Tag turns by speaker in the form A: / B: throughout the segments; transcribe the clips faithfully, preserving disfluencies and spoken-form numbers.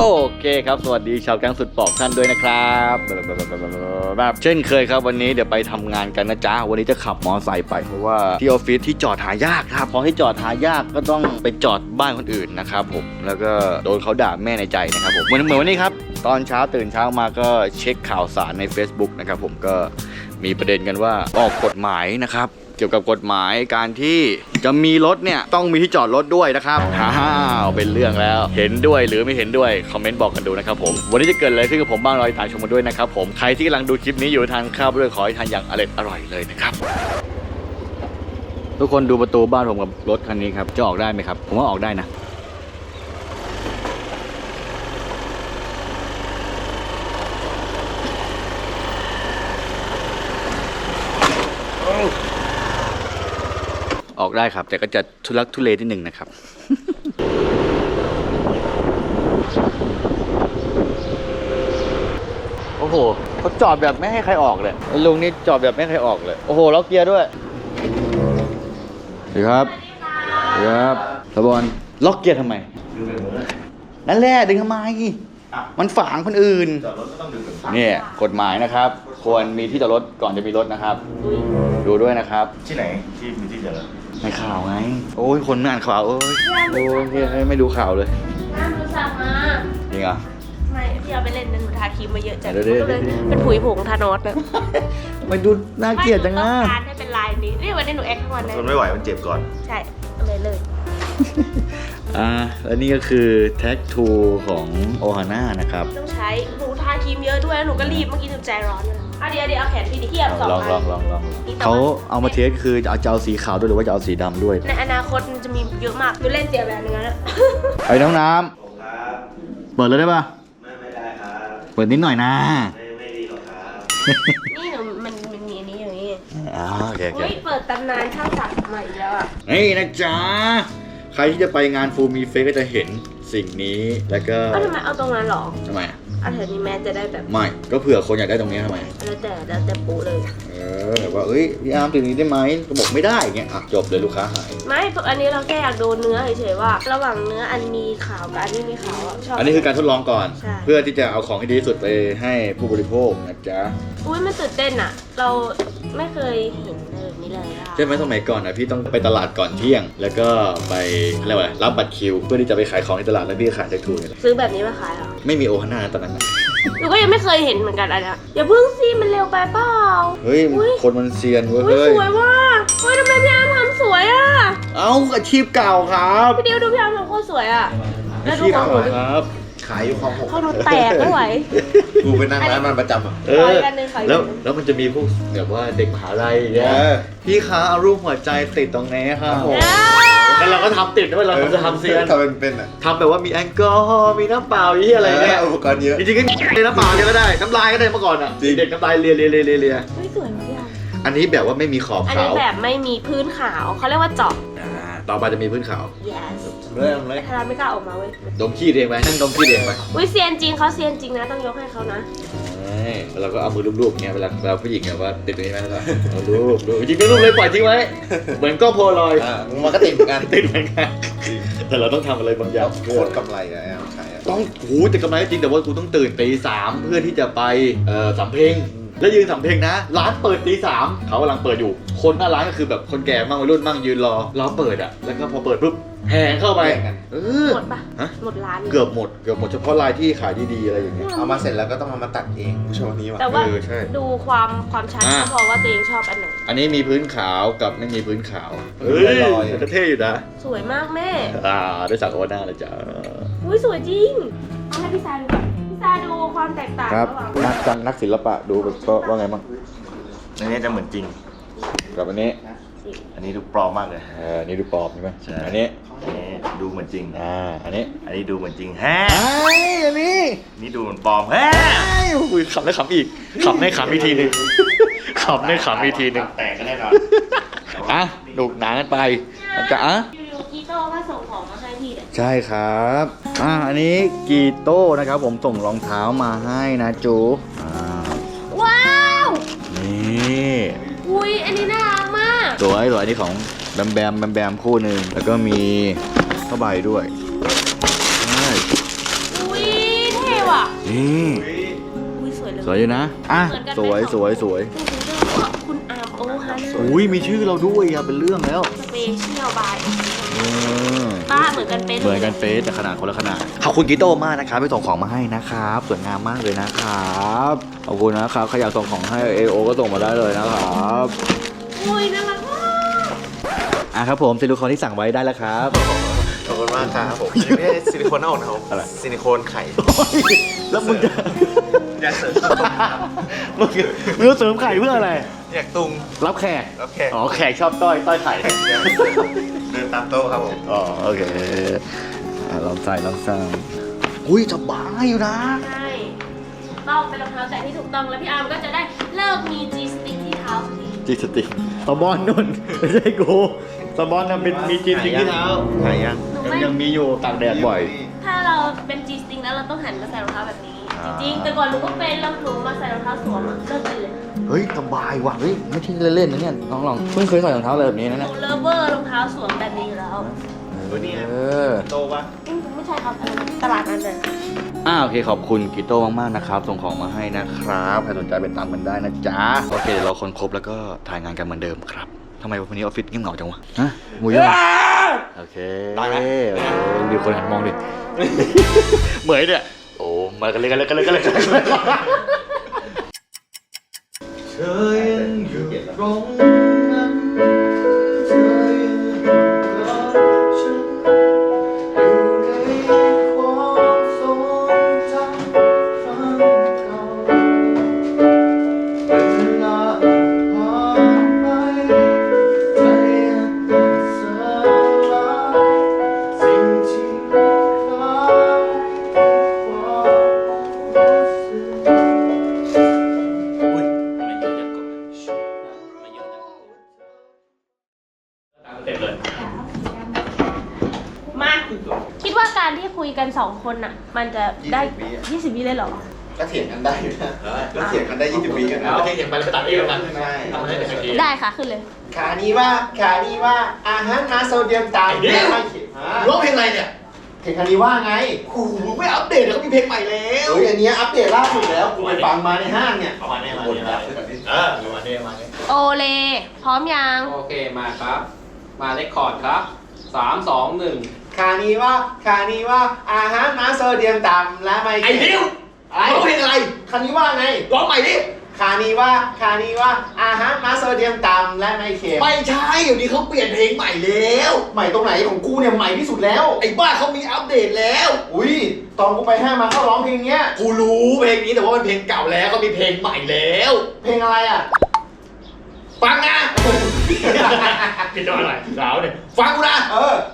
A: เคครับสวัสดีชาวแก๊งสุดปอกท่านด้วยนะครับแบบเช่นเคยครับวันนี้เดี๋ยวไปทำงานกันนะจ๊ะวันนี้จะขับมอเตอร์ไซค์ไปเพราะว่าที่ออฟฟิศที่จอดหายากครับพอที่จอดหายากก็ต้องไปจอดบ้านคนอื่นนะครับผมแล้วก็โดนเขาด่าแม่ในใจนะครับผมเหมือนเหมือนวันนี้ครับตอนเช้าตื่นเช้ามาก็เช็คข่าวสารใน Facebook นะครับผมก็มีประเด็นกันว่าออกกฎหมายนะครับเกี่ยวกับกฎหมายการที่จะมีรถเนี่ยต้องมีที่จอดรถด้วยนะครับฮ่าเป็นเรื่องแล้วเห็นด้วยหรือไม่เห็นด้วยคอมเมนต์บอกกันดูนะครับผมวันนี้จะเกิดอะไรขึ้นกับผมบ้างรอติดตามชมกันด้วยนะครับผมใครที่กำลังดูคลิปนี้อยู่ทานข้าวด้วยขอให้ทานอย่างอร่อยอร่อยเลยนะครับทุกคนดูประตูบ้านผมกับรถคันนี้ครับจะออกได้ไหมครับผมว่าออกได้นะออกได้ครับแต่ก็จะทุลักทุเลนิดหนึ่งนะครับ โอ้โหเขาจอดแบบไม่ให้ใครออกเลยลุงนี่จอดแบบไม่ให้ใครออกเลยโอ้โหล็อกเกียร์ด้วยสวัสดีครับสวัสดีครับตะบอลล็อกเกียร์ทำไมนั่นแหละดึงทำไมมันฝางคนอื่นจอดรถก็ต้องดึงเนี่ยกฎหมายนะครับควรมีที่จอดรถก่อนจะมีรถนะครับดูด้วยนะครับ
B: ที่ไหนที่มีที่จอดรถ
A: ในข่าวไงโอ้ยคนไม่อ่านข่าวโอ้ยโอ้ยไม่ดูข่าวเลย
C: น้ำดูสั่งมา
A: จริงเหรอ
C: ไม่พี่เอาไปเล่นนั่นหนูทาครีมมาเยอะจัง
A: ก็
C: เลยเป็นผุยผงทานอสแบบ
A: ไม่ดูน่าเกลียดจังนะ
C: ต้องการให้เป็นลายนี้นี่วันนี้หนูแอคทั้งวันเลย
B: ทนไม่ไหวมันเจ็บก่อน
C: ใช่เอาเลยเลย
A: อ่าและนี่ก็คือแท็กทูของโอฮาน่านะครับ
C: ต้องใช้หนูทาครีมเยอะด้วยหนูก็รีบเมื่อกี้หนูใจร้อนเลยเอาเดี๋ยวเดี๋ยวเอาแขนพี่ดิเทียบสองอัน
A: ลองลองลองเขาเอามาเทสคือจะเอาจะเอาสีขาวด้วยหรือว่าจะเอาสีดำด้วย
C: ในอนาคตมันจะมีเยอะมากหนูเล่นเสียแบบนึงนะ
A: ไอ้น้องน้ำเปิดเลยได้ป่ะ
B: ไม่ไม่ได้ครับ
A: เปิดนิดหน่อยนะ
B: ไม่ไม่ดีหรอกครับ
C: นี่หนูมันมันมีอันนี้อย่างนี้
A: อ๋อโอเคโอเค
C: เปิดตำนานช่างศักดิ์ใหม่แล้วอ่ะ
A: นี่นะจ๊ะใครที่จะไปงานฟูมีเฟสก็จะเห็นสิ่งนี้แล้วก็
C: ทำไมเอาตรงนั้นหรอ
A: ทำไม
C: เอาแถวนี้แม่จะได้แบบ
A: ไม่ก็เผื่อคนอยากได้ตรงนี้ทำไม
C: แล้วแต่แล้วแต่ปูเลย
A: เออแบบว่าเอ้ยพี่อาร์มตรงนี้ได้ไหมก็บอกไม่ได้เงี้ยอ่ะจบเลยลูกค้าหาย
C: ไม่อันนี้เราแค่อยากดูเนื้อเฉยๆว่าระหว่างเนื้ออันมีขาวกับอันนี้มีขาวชอบ
A: อันนี้คือการทดลองก่อนเพื่อที่จะเอาของที่ดีที่สุดไปให้ผู้บริโภคนะจ๊ะ
C: อุ้ยมันตื่นเต้นอ่ะเราไม่เคยเห็นแบบนี้เลยอ่ะ
A: ใช่ไหมสมัยก่อนนะพี่ต้องไปตลาดก่อนเที่ยงแล้วก็ไปอะไรวะรับบัตรคิวเพื่อที่จะไปขายของในตลาดแล้วพี่ขายแท็กทูเนี่ย
C: ซื้อแบบนี้มาขายเหรอ
A: ไม่มีโอฮาน่าตอนนั้นนะ
C: หนูก็ยังไม่เคยเห็นเหมือนกันอันนี้อย่าเพิ่งสิมันเร็วไปเปล่า
A: เฮ้ยคนมันเซียนเว้ย
C: สวยว่ะเฮ้ยทำไมพี่อาร์มทำสวยอ่ะ
A: เอ้าอาชีพเก่าครับ
C: พี่เดียวดูพี่อาร์มทำโคตรสวยอ่ะ
A: อาชีพเก่าครับ
B: ขายอยู่คลองหก
C: เขาโดนแตกไม่ไหว
B: กูไปนั่งร้านมันประจำอ่ะ
A: เออแล้วแล้วมันจะมีพวกแบบว่าเด็กมหาลัยเนี่ยพี่คะเอารูปหัวใจติดตรงนี้ค่ะแล้วเราก็ทำติดด้วยเราจะทำเซียน
B: ทำเป็นเป็นอ่ะ
A: ทำแบบว่ามีแอลกอฮอล์มีน้ำเปล่ายี่อะไรเนี่ย
B: อุปกรณ์เยอะ
A: จริงๆก็ในน้ำเปล่าก็ได้น้ำลายก็ได้เมื่อก่อนอ่ะเด็กน้ำลายเลียเลียเลียเลีย
C: ไม่สวยมากอ่ะ
A: อันนี้แบบว่าไม่มีขอบขาวอันนี้
C: แบบไม่มีพื้นขาวเขาเรียกว่าเจาะ
A: ต่อไปจะมีพื้นขาว
C: yes
A: เริ่มเลย
C: ถ้าเราไม่กล้าออกมาเว้ย
A: ดมขี้เองไปนั่งดมขี้เองไป
C: อุ้ยเซียนจริงเขาเซียนจริงนะต้องยกให้เขานะ
A: แล้วเราก็เอามือลูบๆเงี้ยเวลาเราผู้หญิงเนี่ยว่าติดตรงนี้ไหมแล้วก็เอาลูบลูบจริงๆลูบเลยปล่อยทิ้งไว้เหมือนก็โพลอย
B: มันก็ติดเหมือนกัน
A: ติดเหมือนกันแต่เราต้องทำอะไรบางอย่าง
B: โคตรกำไรอะใช่
A: ต้องหูแต่กำไรจริงแต่ว่ากูต้องตื่นตีสามเพื่อที่จะไปเอ่อสำเพ็งแล้วยืนสำเพ็งนะร้านเปิดตีสามเขากำลังเปิดอยู่คนหน้าร้านก็คือแบบคนแก่มั่งวัยรุ่นมั่งยืนรอรอเปิดอ่ะแล้วก็พอเปิดปุ๊บแห่เข้าไป
C: หมดปะหมดร้าน
A: เกือบหมดเกือบหมดเฉพาะรายที่ขายดีๆอะไรอย่างเงี้ย
B: เอามาเสร็จแล้วก็ต้องเอามาตัดเองผู้ชมนี้ว่ะ
C: แต่ว่าดูความความชัดก็พอว่าตัวเองชอบอันไหน
A: อันนี้มีพื้นขาวกับไม่มีพื้นขาวเฮ้ยลอยเท่อยู่นะ
C: สวยมากแม่
A: อ่าได้สั่งโอน่าเลยจ้า
C: อุ้ยสวยจริงเอาให้พี่ซาดูก่อนพี่ซาดูความแตกต่าง
A: ระหว่างนักนักศิลปะดูก็ว่าไงบ้าง
B: อันนี้จะเหมือนจริง
A: กับอันนี้
B: อันนี้ดูปลอมมากเลย
A: เออนี่ดูปลอมใช่ไหม
B: ใช่
A: อันนี้
B: อันนี้ดูเหมือนจริง
A: อ่าอันนี้
B: อันนี้ดูเหมือนจริงแฮะ
A: อันนี้
B: นี่ดูเหมือนปลอมแฮะ
A: อุ้ยขำได้ขำอีกขำได้ขำอีกทีหนึ่งขำได้ขำอีกทีหนึ่ง
B: แตกกันแน่นอน
A: อ่ะดูหนากันไปจะอ่ะ
C: กีโต้ก็ส่งของมาให้พี่
A: ใช่ครับอ่าอันนี้กีโต้นะครับผมส่งรองเท้ามาให้นะจู
C: ว้าว
A: นี่
C: อุ้ยอันนี้น่ารักมาก
A: สวยสวยอันนี้ของแบมแบมแบมแบมคู่หนึ่งแล้วก็มีผ้าใบด้วยใช่
C: อุ้ย
A: นี่
C: อุ้ยสวยเลย
A: สวยอยู่นะอ่ะ
C: เหมือนกัน
A: สวย
C: ไหม
A: สวยสวย
C: คุณอาร์มโอฮาน่า
A: อุ้ยมีชื่อเราด้วยอะเป็นเรื่องแล้ว
C: สเปเชียลบาย
A: เออ
C: ป้าเหมือนกันเป็น
A: เหมือนกันเฟสแต่ขนาดคนละขนาดขอบคุณกิโต้มากนะครับไปส่งของมาให้นะครับสวยงามมากเลยนะครับขอบคุณนะครับใครอยากส่งของให้เอโอก็ส่งมาได้เลยนะครับ
C: อุ้ยน่ารักมาก
A: อ่ะครับผมซิลิโคนที่สั่งไว้ได้แล้วครับ
B: ขอบคุณมากครับผมไม่ใช่ซิลิโคนหน้าอกนะครับ
A: อะไร
B: ซิลิโคนไข่
A: แล้วมึงจะ
B: อยากเสริมข้าวต้มครับ
A: มึงมึงจะเสริมไข่เพื่ออะไร
B: อยากตุง
A: รับแขก
B: รับแขก
A: อ๋อแขกชอบต้อยต้อยไข่
B: เดินตามโต๊ะครับผม
A: อ๋อโอเคอ่ะลองใส่ลองใส่อุ้ยสบายอยู่นะ
C: ใช่ต้องเป็นรองเท้าแตะที่ถูกต้องแล้วพี่อาร์มก็จะได้เลิกมี G stick ที่เท้าสักที
A: จีสติกสบอนนุ่นไม่ใช่กูสบอนน่ะเป็นมีจีสติกที่เท้า
B: หายยัง
C: หนู
A: ยัง
C: ไม่
A: ยังมีอยู่ตากแดดบ่อย
C: ถ้าเราเป็น G stick แล้วเราต้องหันมาใส่รองเท้าแบบนี้
A: อ่า
C: จริงๆแต่ก่อนหนูก็เป็นแล้วหนูมาใส่รองเท้าสวมอะเลิกเป็นเลย
A: เฮ้ยสบายว่ะเฮ้ยไม่ใช่เล่นๆนะเนี่ยลองลองเพิ่งเคยใส่รองเท้าอะไรแบบนี้นะ
C: ห
A: เนี่ย
C: นูเลเวอร์รองเท้าสวมแบบนี้อยู่แล้ว
B: ตัวนี้
A: เออ
B: โตปะ
C: อืมไม่ใช่ครับอันนั้นตลาดนั้นเลย
A: อ่าโอเคขอบคุณกิโต้มากๆนะครับส่งของมาให้นะครับใครสนใจไปตามกันได้นะจ๊ะโอเคเดี๋ยวเราคนครบแล้วก็ถ่ายงานกันเหมือนเดิมครับทำไมวันนี้ออฟฟิศเงียบเหงาจังวะฮะมูยอะโอเคได้ไหมโอเคดูคนหันมองดิ เหมยเนี่ยโอ้มากันเลยกันเลยกันเลยกันเลย
B: เธอยังอยู่ตรงนั้นเธอยังอยู่กับฉันอยู่ในความทรงจำครั้งเก่าเวลาผ่านไปใจยังเป็นสลายสิ่งที่คล้ายความรู้สึก
C: มาคิดว่าการที่คุยกันสองคนน่ะ มันจะได้ยี่สิบวิเลยเหรอ
B: ก็เถียงกันได้อยู่นะก็เถียงกันได้ยี่สิบวิกันนะ
D: โอเคเห็นไปแล้วไปตัดเองแล้วกัน
B: ใช่
D: ทำให้เป็นคดี
C: ได้ค่ะขึ้นเลย
B: ขานี้ว่าขานี้ว่าอาหารมาโซเดียมต่ำไม่ค่อยเขียน
D: ร้องเพลงอะไรเนี่ย
B: เพลงขานี้ว่าไง
D: โอ้โหไม่อัปเดตเลยเขามีเพลงใหม่แล้ว
B: เฮ้ยอันเนี้ยอัปเดตล่าสุดแล้วกูไปฟังมาในห้างเนี่ย
D: ประมาณนี้ประมาณนี้เออประมาณนี้ประมาณนี้
C: โอเล พร้อมยัง
E: โอเคมาครับ มาเลคคอร์ดครับสามสองหนึ่ง
B: ขานี้ว่าขานี้ว่าอาหารมาโซเดียมต่ำและไม่
D: ไอ้ดิว
B: ไอ้
D: ร้องเพลงอะไร
B: ขานี้ว่าไง
D: ร้องใหม่ดิ
B: ขานี้ว่าขานี้ว่าอาหารมาโซเดียมต่ำและไม่เค็ม
D: ไม่ใช่เดี๋ยวนี้เขาเปลี่ยนเพลงใหม่แล้ว
B: ใหม่ตรงไหนของกูเนี่ยใหม่ที่สุดแล้ว
D: ไอ้บ้าเขามีอัปเดตแล้ว
B: อุ้ยตอนกูไปห้างมาเขาร้องเพลงเนี้ย
D: กูรู้เพลงนี้แต่ว่ามันเพลงเก่าแล้วเขามีเพลงใหม่แล้ว
B: เพลงอะไรอ่ะ
D: ฟังนะพี่จอยหน่อยสาวเนี่ยฟังกูนะ
B: เออ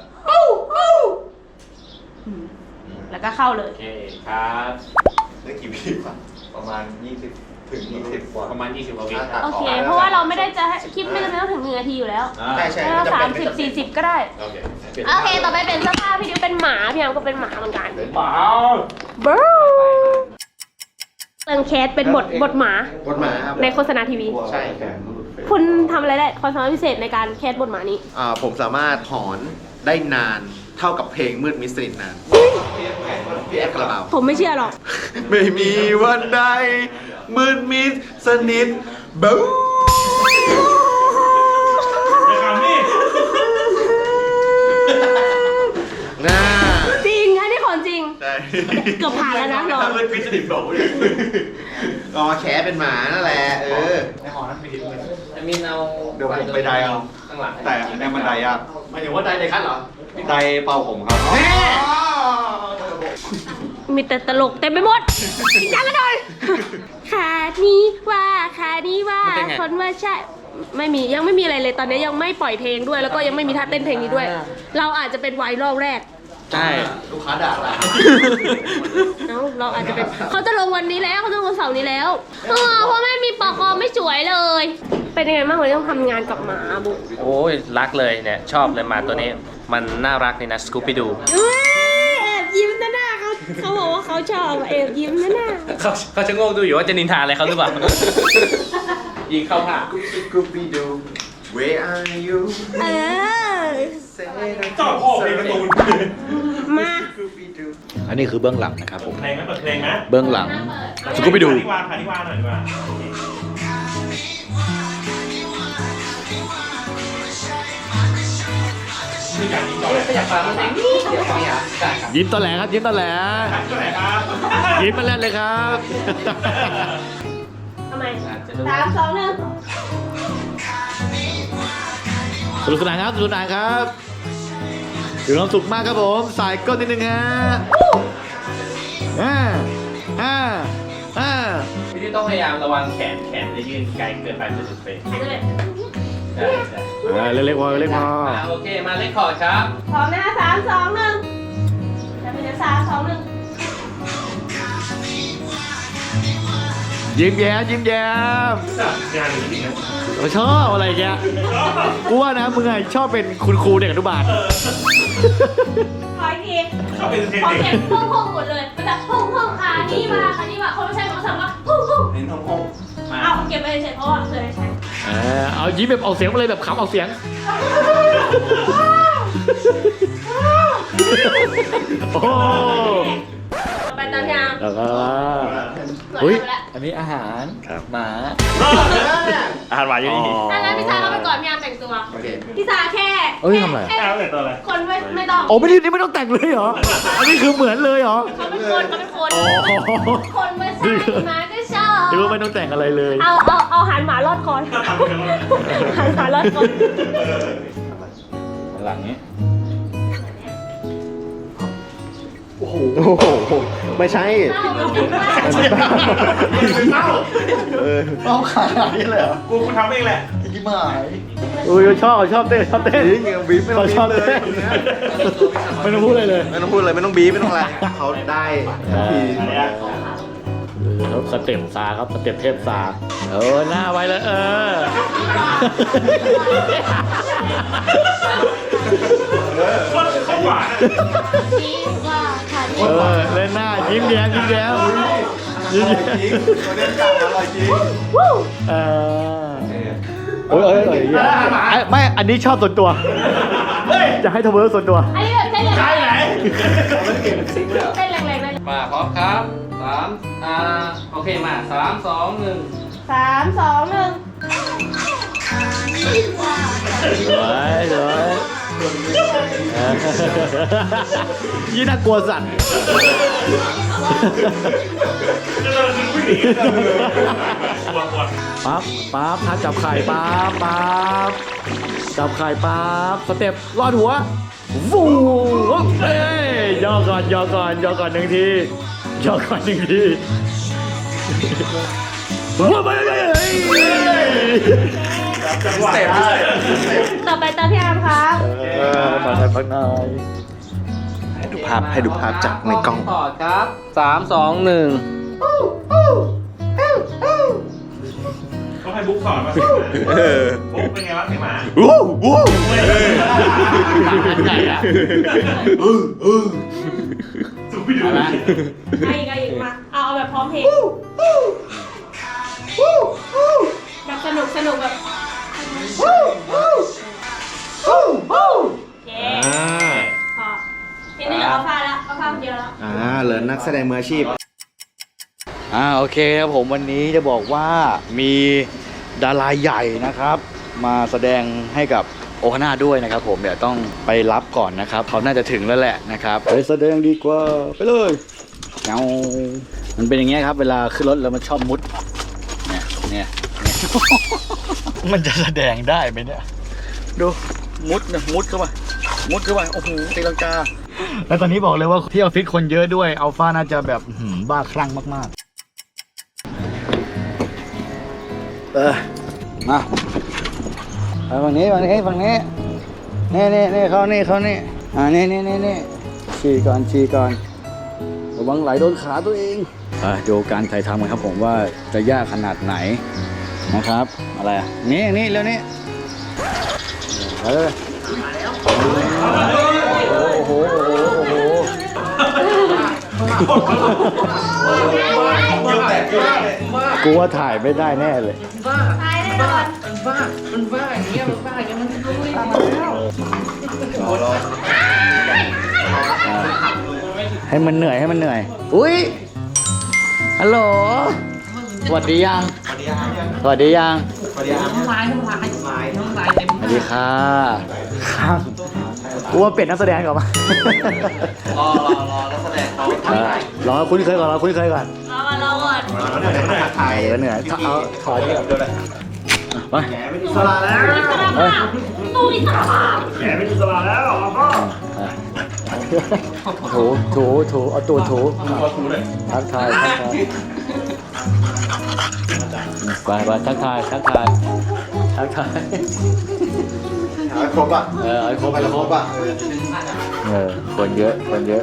C: แล้วก็เข้าเลย
E: โอเคครับ
B: ได้กี่วิวะประมาณยี่สิบถึงยี่สิบกว่า
E: ประมาณยี่สิบกว่าวิ
B: อ่ะตัด
C: โอ
B: อ
C: เค
B: ก
C: เพราะว่าเราไม่ได้จะให้คลิปไม่จำเป็นต้องถึงหนึ่งนาทีอยู่แล้ว
D: อ่า
B: ใช่ใช่
C: แค่สามสิบสี่สิบก็ได้
D: โอเค
C: โอเค ต่อไปเป็นเสื้อผ้าพี่ดิวเป็นหมา พี่อาร์มก็เป็นหมาเหมือนกัน
D: เปล่า
C: บู๊เติงแคสเป็นบทบทหมา
B: บทหมาครับ
C: ในโฆษณาทีวี
B: ใช่ครับ
C: คุณทำอะไรได้ความสามารถพิเศษในการแคสบทหมานี้
B: อ่าผมสามารถถอนได้นานเท่ากับเพลงมืดมิสตรินนานพี่แอฟคาราบาว
C: ผมไม่เชื่อหรอก
B: ไม่มีวันใดมืดมิดสนิทบู๊ น่า
C: จริง อันนี้ของจริง
B: ใช่
C: เกือบผ่านแล้วนะเรา
D: มันพิสดิบโหลเลย
B: ก็แคสเป็นหมานั่นแหละเออ
D: ในหอนั้นมีทิ้งเลย
E: ไอ้มินเอา
F: เดี๋ยวผมไปไดเอา
E: ข้างหลัง
F: แต่อันนี้มันไดยาก
D: หมายถึงว่าไดในคัทเหรอ
F: ไดเป่าผมครับ
B: แม่
C: มีแต่ตลกเต็มไปหมดจริงจังกันหน่อยขานี้ว่าขานี้ว่าคนว่าใช่ ไม่มียังไม่มีอะไรเลยตอนนี้ยังไม่ปล่อยเพลงด้วย แล้วก็ยังไม่มีท่าเต้นเพลงนี้ด้วย เราอาจจะเป็นไวรัลแรก
B: ใช่
D: ลูกค้าด่าละ
C: เอ้าเราอาจจะเป็นเขาจะลงวันนี้แล้วเขาจะลงวันเสาร์นี้แล้วเออเพราะไม่มีปอกอไม่สวยเลย เป็นยังไงบ้างวันนี้ต้องทำงานกับหมาบุก
E: โอ้ยรักเลยเนี่ยชอบเลยหมาตัวนี้ มันน่ารักนี่นะสกูปปี้ดู
C: เอ้ยแอบยิ้มนะหน้าเขาเขาบอกว่าเขาชอบแอบยิ้มนะหน้า
E: เขาเขาจะงงดูอยู่ว่าจะนินทาอะไรเขาหรือเปล่า ยิงเข้าผ่า
B: กูปีดู Where are you
C: เออ
D: ชอบพ่อเพลงการ์ตูน
C: มา
B: กูปีดู
C: ม
A: อันนี้คือเบื้องหลังนะครับผม
D: เพลงไหมเปิดเพลงไหม
A: เบื้องหลังสกูปไปดู
D: ขานิวาขานิวาหน่อยดีกว่าคืออย่างนี้ก่อนเลย
E: อยากฟังเพลงนี้เดี๋ยวฟังอ่ะได้ครับ
A: ยิ้มตอแหลครับยิ้มตอแหล
D: ก็ไหนครับ
A: ยิ้มมาแรกเลยครับ
C: ทำไมสามสองหนึ่ง
A: สนุกสนานครับสนุกสนานครับถือความสุขมากครับผมสายก้นนิดนึงฮะอ่าอ่าอ่า
E: พี่ที่ต้องพยายามระวังแขนแขนจะยื่นไกลเกินไปจะสุดเฟรม
C: หายไปเลย
E: ได้ได้
A: อ่าเล็กๆพอเล็กๆพอ
E: อ่าโอเคมาเล่นคอร์ดครับ
C: พร้อมนะสามสองหนึ่งจะเป็นสามสองหนึ่ง
A: ยิ้มแย้มยิ้มแย้ม
D: งานจริงๆนะ
A: เราชอบอะไรแกกูว่านะมึงไงชอบเป็นคุณครูเด็กอนุบาล
C: ขออีกที
D: ชอบเป็นเทน
C: ขอ
D: เด็
C: เสีย
D: ก
C: งพุ่งพุ่งหมดเลยมันจะพุ่งพุ่งขานี่มาขานี่มาคนไม่ใช่เขาสั่งว่าพุ่งพุ่ง
E: เน้นห้องห้องมา
C: เอาเก็บไปเฉยเพราะว่าเคยใช้
A: เออเอายิ้มแบบออกเสียงมาเลยแบบขำออกเสียงโอ้
C: ต่อไปตามยาง
A: แล้วก็
C: สวย
A: เฮ้ย
C: ไปแล้ว
A: อันนี้อาหารหมา
D: อาหารหวานอยู่นี่
C: อันนั้นพี่ชายเขาไปก่อนพี่ยางแต่งตัวพี่ชายแค่
A: เอ้ยทำไร
C: แค่
D: เอาเลยตัวอะไร
C: คนไม่ไม่ต้อง
A: โอ้ไม่ได้นี่ไม่ต้องแต่งเลยเหรออันนี้คือเหมือนเลยเหรอ
C: เขาเป็นคนเขาเป็นคน
A: อ๋อ
C: คนไม่ใช่หมาก็ชอบ
A: หรือว่าไม่ต้องแต่งอะไรเลย
C: เอาเอาเอาหันหมาลอดคอนหันหมาลอดคอน
A: หลังนี้
B: โอ้โหไม่ใช่
D: เอ้า
B: เออเอาขนาดนี้เลยเหรอ
D: กูกูทำเองแหละ
B: ยิ้มหาย
A: อุ้ยชอบชอบเต้นชอบเต้น
B: จริงบีบไม่ต้อง
A: ชอบ
B: บีบ
A: เต้นไม่ต้องพูดเลยเลย
B: ไม่ต้องพูดเลยไม่ต้องบีบไม่ต้องอะไรเขาได้ที
A: เขาสเต็ปซาครับสเต็ปเทพซาเออหน้าไว้เลยเออ
D: คนเขาหวาน
C: นี่ว่าค่ะ
A: เออเล่นหน้ายิ้มแย้มยิ้มแย้มยิ้ม
B: อร่อย
A: แย้ม
B: จริงเขาเล่นกลับอร่อยจริง
A: เออเอ้ยเอ้ยเอ้ยไม่ อันนี้ชอบส่วนตัว จะให้ทเวอร์ส่วนตัว
C: อันนี้แบบเต้นแรง
D: ใช่ไหน
C: เต้นแรงๆได้
E: มาพร้อมครับสามอ่าโอเคมาสามสองหนึ่ง
C: สามสองหนึ่ง
A: สวยสวยยี่น่ากลัวสัตว์
D: จะเราคือผู้หญิงปวดปวด
A: ปั๊บปั๊บถ้าจับไข่ปั๊บปั๊บจับไข่ปั๊บสเต็ปลอดหัวฟูเอ้ยย่อก่อนย่อก่อนย่อก่อนหนึ่งทีย่อก่อนหนึ่งทีว้าวไปเลย
D: จังหวะ
C: ต่อไปตามพี่อาร์มครับ
A: เออมาใส่พักหน่อย
B: ให้ดูภาพให้ดูภาพจากในกล้อง
E: คอร์ดครับสามสองหนึ่ง
D: ต้องให้บุ๊กสอนมาบุ๊กเป็นไงวะไอ้หมา
B: อู้อู้
A: ใหญ่อะ
D: สูบไปดู
E: อะไร
C: ไอ้อีกไอ้อีกมา เอาเอาแบบพร้อมเพลงแบบสนุกสนุกแบบโอเคพอทีนี้เหลืออัลฟาแล้วอัลฟาคนเดียวแล้ว
B: อ่าเหลือนักแสดงมืออาชีพ
A: อ่าโอเคครับผมวันนี้จะบอกว่ามีดาราใหญ่นะครับ มาแสดงให้กับโอฮาน่าด้วยนะครับผมเดี๋ยวต้องไปรับก่อนนะครับเขาน่าจะถึงแล้วแหละนะครับไปแสดงดีกว่าไปเลยเอามันเป็นอย่างเงี้ยครับเวลาขึ้นรถแล้วมันชอบมุดเนี่ยเนี่ยเนี่ย มันจะแสดงได้ไหมเนี่ยดูมุดเนี่ยมุดเข้าไปมุดเข้าไปโอ้โหตีลังกาแล้วตอนนี้บอกเลยว่าที่ออฟฟิศคนเยอะด้วยอัลฟาน่าจะแบบอื้อหือบ้าคลั่งมากๆเออมาไปฝั่งนี้ฝั่งนี้ฝั่งนี้นี่นี่นี่เขานี่เขานี่อ่านี่นี่นี่นี่ฉี่ก่อนฉี่ก่อนระวังไหลโดนขาตัวเองอ่าดูการถ่ายทำกันครับผมว่าจะยากขนาดไหนนะครับอะไรอ่ะนี่นี่เร็วนี่ไปเลยโอ้โหโอ้โหโอ้โห กูว่าถ่ายไม่ได้แน่เลย
C: ตายแน่นอน
E: มันบ้ามันบ้าอย่างเงี้ยมันบ้าอย่างเงี้ยมันรู้ตามมาแล้ว
A: ให้มันเหนื่อยให้มันเหนื่อย อุ้ยฮัลโหลสวัสดียัง
F: สวัสดีอาร์ยัง
A: สวัสดียัง
F: สวัสดีอาร์
E: น้ำลายน้ำลายน้ำลายเต็ม
A: สวัสดีค่ะครับกูว่าเปลี่ยนนักแสดงก่อนมา
F: รอรอรอแล้วแสดงเขา
A: เออลองคุ้นเคยก่อนลองคุ้นเคยก่อน
C: รอก่อนรอก่อน
F: เดี๋ยวเดี๋ยวถ่าย
A: เดี๋ยวเหนื่อยเอาถอยดีกว่า
F: เดี๋ยวเลย
A: ไป
F: แหมไม่อิสระแล้ว
C: อิสระภาพตู้อิสระภาพ
F: แหมไม่อิสระแล้วพ่อ
A: ถูถูถูเอาตัวถูทักทายทักทายไปไปทักทายทักทายทักทาย
F: หาครบอ่ะ
A: เออเอาให้ครบ
F: ไป
A: ให้
F: ค
A: ค
F: ร
A: ร
F: บบ อ่ะ
A: เออคนเยอะคนเยอะ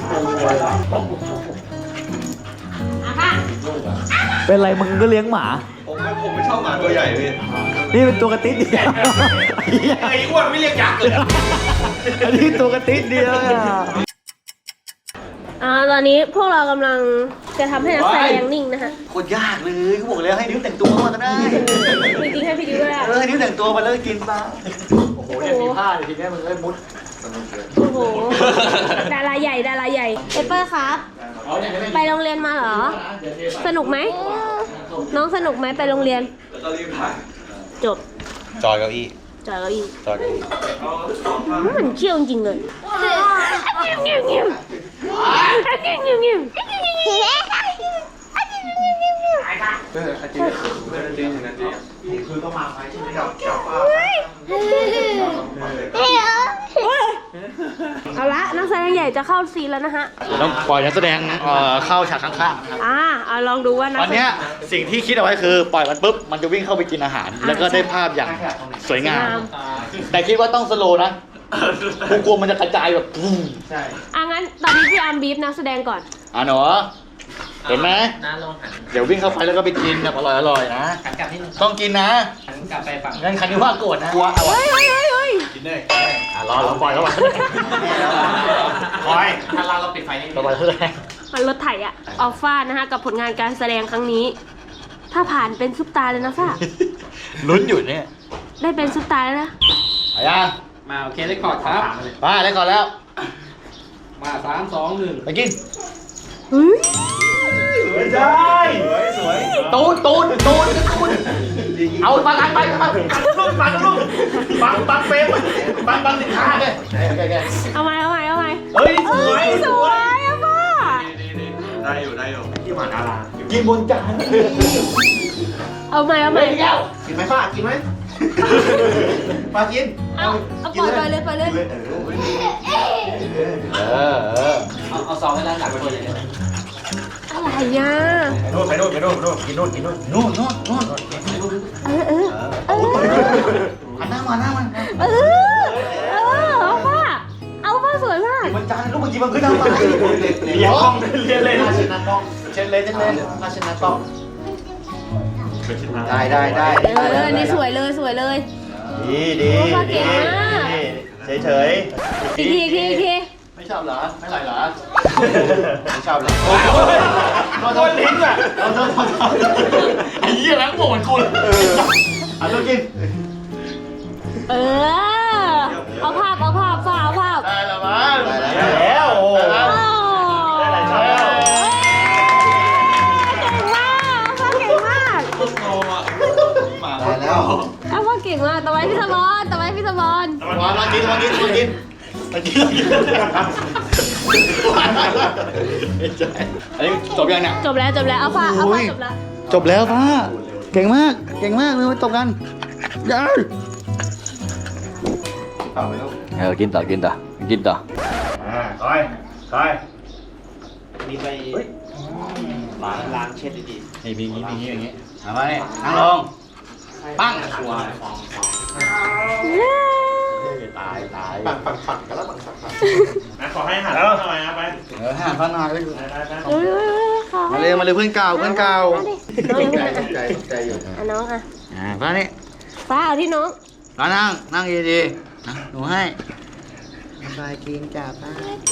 C: อ่ะค่ะ
A: เป็นไรมึงก็เลี้ยงหมา
F: ผมไม่ผมไม่ชอบหมาตัวใหญ่พี่
A: นี่เป็นตัวกระติ๊ดเดียว
D: ไอ้อ้วนไม่เรียกยักษ์เลยอะ
A: อันนี้ตัวกระติ๊ดเดียวอะ
C: อ่าตอนนี้พวกเรากำลังจะทำให้นักแสดงนิ่งนะคะ
A: โคตรยากเลยเขาบอกแล้วให้นิ้วแต่งตัวมาก็ได้
C: จริงๆให้พี่ดิวด้วยอะ
A: เออให้นิ้วแต่งตัวมาแล้วกินปลาโอ้โหเนี่ยมีผ้าเลยทีเนี้ยมึงเอ้ยมุด
C: โอ้โหดาราใหญ่ดาราใหญ่เปเปอร์ครับ ไปโรงเรียนมาเหรอ สนุกไหม น้องสนุกไหมไปโรงเรียน
F: แล้วก็รีบถ่าย
C: จบ
F: จอยเก้าอี้
C: จอยเก้าอี้
F: จอยเก้าอี้
C: มันเชี่ยวจริงๆเลยเงี้ยวเงี้ยวเงี้ยวเงี้ยวเงี้ยวเงี้ยว
F: เออจริงจริงจริงคือต้องมาไหมใช่ไหมครับจับปลา
C: เอาละนักแสดงใหญ่จะเข้าซีนแล้วนะฮะ
A: ต้องปล่อยนักแสดงเอ่อเข้าฉากข้างๆครับ
C: อ่าเอาลองดูว่านัก
A: ตอนเนี้ยสิ่งที่คิดเอาไว้คือปล่อยมันปุ๊บมันจะวิ่งเข้าไปกินอาหาร แล้วก็ได้ภาพอย่างสวยงาม แต่คิดว่าต้องสโลว์นะกูกลัวมันจะกระจายแบบปุ้ม
F: ใช่
C: อ่ะงั้นตอนนี้พี่อาร์มบีฟนักแสดงก่อน
A: อ่ะหนูเห็นไหม
E: น้าลองหัน
A: เดี๋ยววิ่งเข้าไปแล้วก็ไปกินแบบอร่อยๆนะ
E: หันกลับนิดนึง
A: ต้องกินนะ
E: หันกลับไปฝั่ง
A: งั้นคันนี้ว่าโกรธนะกลัวเอา
C: เฮ้ยเฮ้ยเฮ้ยเฮ้ย
F: กินเลย
A: อ่ะรอรอปล่อยเข้าไป
F: คอย
E: ถ้าเราเราปิดไฟนิดนึ
A: ต่อง ไปเท่าไหร่
C: มันรถไถอะออฟฟ้านะคะกับผลงานการแสดงครั้งนี้ ถ้าผ่านเป็นซุปตาเลยนะฟ้า
A: ลุ้นอยู่เนี่ย
C: ได้เป็นซุปตาแล้วนะ
A: ไปยัง
E: มาโอเคได้คอร์ดครับ
A: ไปได้ก่อนแล้ว
E: มาสามสองหนึ่ง
A: ไปกิน
C: เฮ้ย
F: ไม่ได้สวยสวย
A: ตูนตูนตูนตูนเอามาลังไปมา
D: ลูกบังลูกบังบังเฟรมบังบังสินค้าเลย
C: เอาใหม่เอาใหม่เอาใหม่
D: เฮ้ยส
C: เอ้
D: วย
C: ยสวยอะฟ้า
F: ได้อยู่ได้อยู่ที่หมาดารา
A: กินบนจาน
C: เอาใหม่เอาใหม่
F: กินไหมป้ากินไหมป้ากิน
C: เอาเอาปล่อยไปเลยไปเลย
A: เออเออ
E: เอาเอาซองให้ด้านหลังตัวเลย
C: อะไรอ่ะ
F: ไปนู่นไปนู่นไปนู่นไปนู่นกินนู่นกินนู่น
A: นู่นนู่นนู่น
C: เออเออเออ
A: หันหน้ามาหน้ามัน
C: เออเออเอาฟ้าเอาฟ้าสวยมาก
A: บนจานลูกเมื่อกี้มันขึ้นหน้ามา
F: เลี้ยงกล้องเลี้ยงเล่น
A: เช็ดหน้ากล้องเช็ดเลยเช็ดเลยมาเช็ดหน้ากล้อง
F: ได้ได้ได้
C: เออนี่สวยเลยสวยเลย
F: ดีดี
C: โอ้ป้าเก่งมาก
F: เฉยเฉย
C: อีกทีอีกทีอีกที
A: ไม่ชอบเหรอไม่ไหลเหรอ
F: ไม่ชอบเลย
A: โดนลิ้นอ่ะโดนโดนโดนไอ้เหี้ยแม่งโหดกูเลยอ่ะลูกกิน
C: เออเอาภาพเอาภาพฟ้าเอาภาพ
A: ได้แล้วมั้ง
F: ได้แล้วโอ้
C: โอ้
F: ได้หลายช็อต
C: เก่งมากฟ้าเก่งมาก
F: ได้แล้ว
C: เอาฟ้าเก่งมากต่อไปพี่สมอนต่อไปพี่สมอน
A: มามากินมากินมากินมากินมากินอันนี้จบยังเนี่ย
C: จบแล้วจบแล้วเอาฟ้าเอาฟ้าจบแล้ว
A: จบแล้วป้าเก่งมากเก่งมากเลยมาจบกันยัย
F: ต่อไปลูก
A: เออกินต่อกินต่อกินต่อ
F: อ่าคอยคอยมีไปล้างล้างเช็ดดี
A: นี่มีอย่างนี้มีอย่างนี้เอามาเนี่ยนั่งลงปั้ง
F: ตายตายปังปังปังกันแล้วปังปังปัง
D: นะขอให้หันแล้วทำไมนะไป
A: เออห่างพันหน่อย
D: ไปไป
C: เฮ้ยเฮ้ยเฮ้ยขอ
A: มาเลยมาเลยเพื่อนเก่าเพื่อนเก่า
C: น้องยัง
F: ใจ
C: ไม่
F: ใจใจอยู่
C: อ่ะน้องอ่ะ
A: อ่าป้านี่
C: ฟ้าเอาที่น้อง
A: ป้านั่งนั่งดีๆนะหนูให้สบายกินจ้าป้า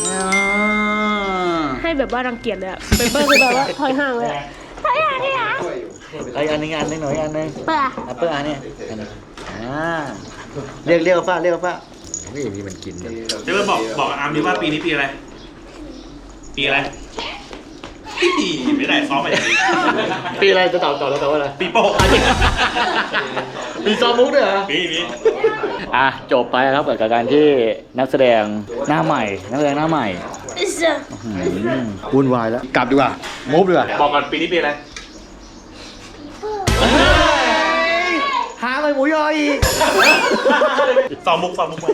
C: ให้แบบว่ารังเกียจเลยอะเปเปอร์คือแบบว่าถอยห่างเลยอะถอยห่างเลยอะ
A: ไอ้อันนึงอันนึงหน่อยอันนึง
C: เปล่า
A: แอปเปิ้ลอันนี้อันนี้อ่าเรียกเรียกฟ้าเรียกฟ้านี่นี่มันกินกัน
D: เจะบอกบอกอาร์มดิว่าปีนี้ปีอะไร
F: ปีอะไรไม่ได้ซ้อมมาอย่างนี้
A: ปีอะไรจะตอบตอบแล้วตอบว่าอะไร
F: ปีโป้
A: มีซอมมุกด้วยเหรอ
F: ปีนี้
A: อ่ะจบไปครับกับการที่นักแสดงหน้าใหม่ นักแสดงหน้าใหม่อืมวุ่นวายแล้วกลับดีกว่ามูฟดีกว่า
F: บอกก่อนปีนี้ปีอะไร
A: หาไปหมูยออีก
F: ซ้อมมุกซ้อมมุกมา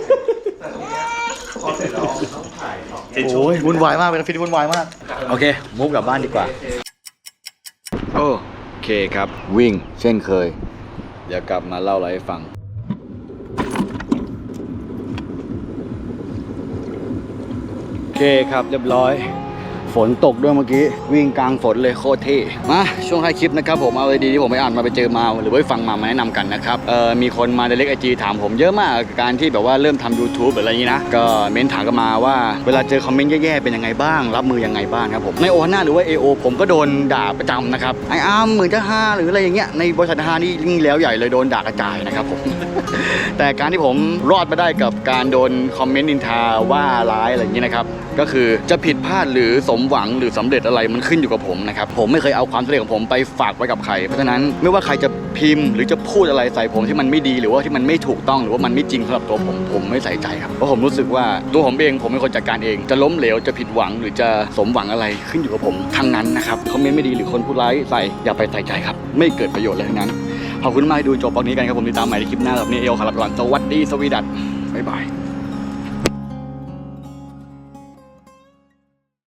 F: เซ็นชู
A: โอ้ยวุ่นวายมากเป็นฟิตวุ่นวายมากโอเคมูฟกลับบ้านดีกว่าโอเคครับวิ่งเช่นเคยเดี๋ยวกลับมาเล่าอะไรให้ฟังโอเคครับเรียบร้อยฝนตกด้วยเมื่อกี้วิ่งกลางฝนเลยโคตรเท่มาช่วงท้ายคลิปนะครับผมเอาอะไรดีที่ผมไปอ่านมาไปเจอมาหรือว่าฟังมามาแนะนำกันนะครับเอ่อมีคนมาในเล็กไอจีถามผมเยอะมากกับการที่แบบว่าเริ่มทำ YouTube หรืออะไรอย่างนี้นะก็เม้นถามกันมาว่าเวลาเจอคอมเมนต์แย่ๆเป็นยังไงบ้างรับมือยังไงบ้างครับผมในโอฮาน่าหรือว่า เอ โอ ผมก็โดนด่าประจำนะครับไออาร์มเหมือนจะฮาหรืออะไรอย่างเงี้ยในบริษัทฮานี่ยิ่งแล้วใหญ่เลยโดนด่ากระจายนะครับผม แต่การที่ผมรอดมาได้กับการโดนคอมเมนต์นินทาว่าร้ายอะไรอย่างนี้นะครับก็คือจะผิดพลาดหรือสมหวังหรือสำเร็จอะไรมันขึ้นอยู่กับผมนะครับผมไม่เคยเอาความสำเร็จของผมไปฝากไว้กับใครเพราะฉะนั้นไม่ว่าใครจะพิมพ์หรือจะพูดอะไรใส่ผมที่มันไม่ดีหรือว่าที่มันไม่ถูกต้องหรือว่ามันไม่จริงสำหรับตัวผมผมไม่ใส่ใจครับเพราะผมรู้สึกว่าตัวผมเองผมเป็นคนจัดการเองจะล้มเหลวจะผิดหวังหรือจะสมหวังอะไรขึ้นอยู่กับผมทั้งนั้นนะครับคอมเมนต์ไม่ดีหรือคนพูดร้ายใส่อย่าไปใส่ใจครับไม่เกิดประโยชน์เลยทั้งนั้นขอบคุณมากที่ดูจบตอนนี้กันครับผมติดตามใหม่ในคลิปหน้าแบบนี้เอลขอลาไปก่อนสวัสดีสวีดัตบ๊ายบาย